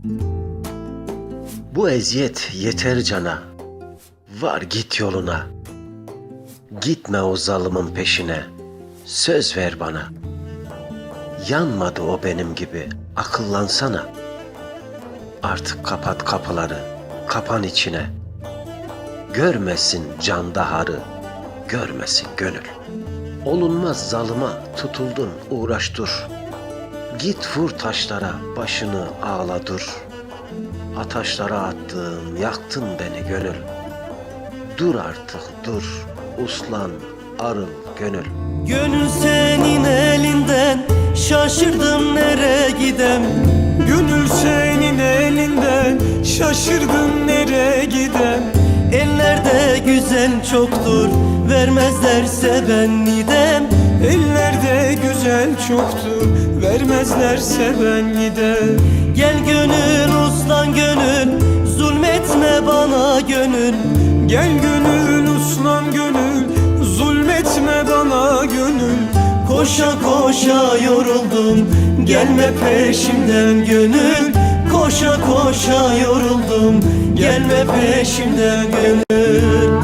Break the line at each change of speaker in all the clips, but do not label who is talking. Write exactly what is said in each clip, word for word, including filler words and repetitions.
Bu eziyet yeter cana, var git yoluna. Gitme o zalımın peşine, söz ver bana. Yanmadı o benim gibi, akıllansana. Artık kapat kapıları, kapan içine. Görmesin can daharı, görmesin gönül. Olunmaz zalıma tutuldun uğraş dur. Git vur taşlara başını ağla dur. Ataşlara attın yaktın beni gönül. Dur artık dur uslan arıl gönül.
Gönül senin elinden, şaşırdım nereye gidem.
Gönül senin elinden, şaşırdım nereye gidem.
Ellerde güzel çoktur, vermezlerse ben gidem.
Ellerde güzel çoktur, vermezlerse ben gider.
Gel gönül uslan gönül, zulmetme bana gönül.
Gel gönül uslan gönül, zulmetme bana gönül.
Koşa koşa yoruldum, gelme peşimden gönül. Koşa koşa yoruldum, gelme peşimden gönül.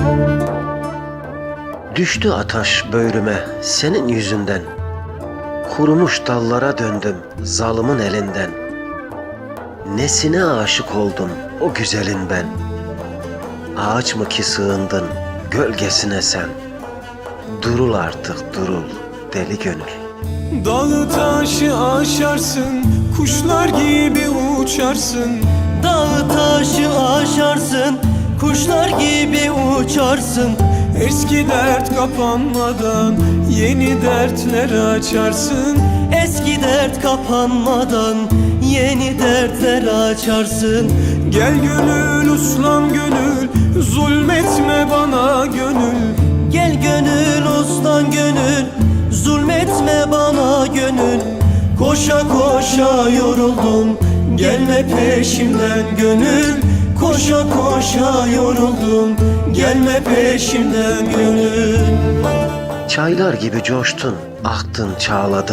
Düştü ataş böğrüme senin yüzünden. Kurumuş dallara döndüm zalımın elinden. Nesine aşık oldum o güzelin ben. Ağaç mı ki sığındın gölgesine sen. Durul artık durul deli gönül.
Dağı taşı aşarsın, kuşlar gibi uçarsın.
Dağı taşı aşarsın, kuşlar gibi uçarsın.
Eski dert kapanmadan yeni dertler açarsın.
Eski dert kapanmadan yeni dertler açarsın.
Gel gönül uslan gönül, zulmetme bana gönül.
Gel gönül uslan gönül, zulmetme bana gönül. Koşa koşa yoruldum, gelme peşimden gönül. Koşa koşa yoruldum, gelme peşimden gönül.
Çaylar gibi coştun, aktın, çağladın.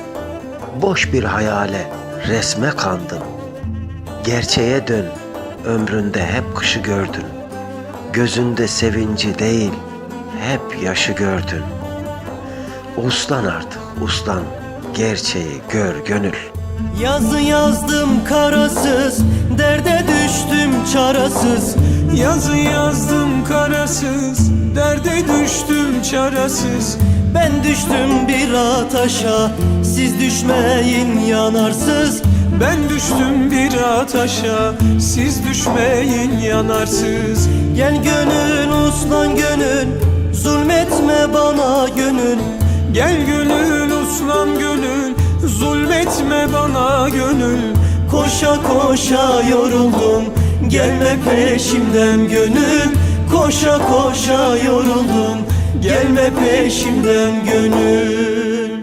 Boş bir hayale, resme kandın. Gerçeğe dön, ömründe hep kışı gördün. Gözünde sevinci değil, hep yaşı gördün. Uslan artık, uslan, gerçeği gör gönül.
Yazı yazdım karasız, derde düştüm çarasız.
Yazı yazdım karasız, derde düştüm çarasız.
Ben düştüm bir ataşa, siz düşmeyin yanarsız.
Ben düştüm bir ataşa, siz düşmeyin yanarsız.
Gel gönül uslan gönül, zulmetme bana gönül.
Gel gönül uslan gönül, zulmetme bana gönül.
Koşa koşa yoruldum, gelme peşimden gönül. Koşa koşa yoruldum, gelme peşimden gönül.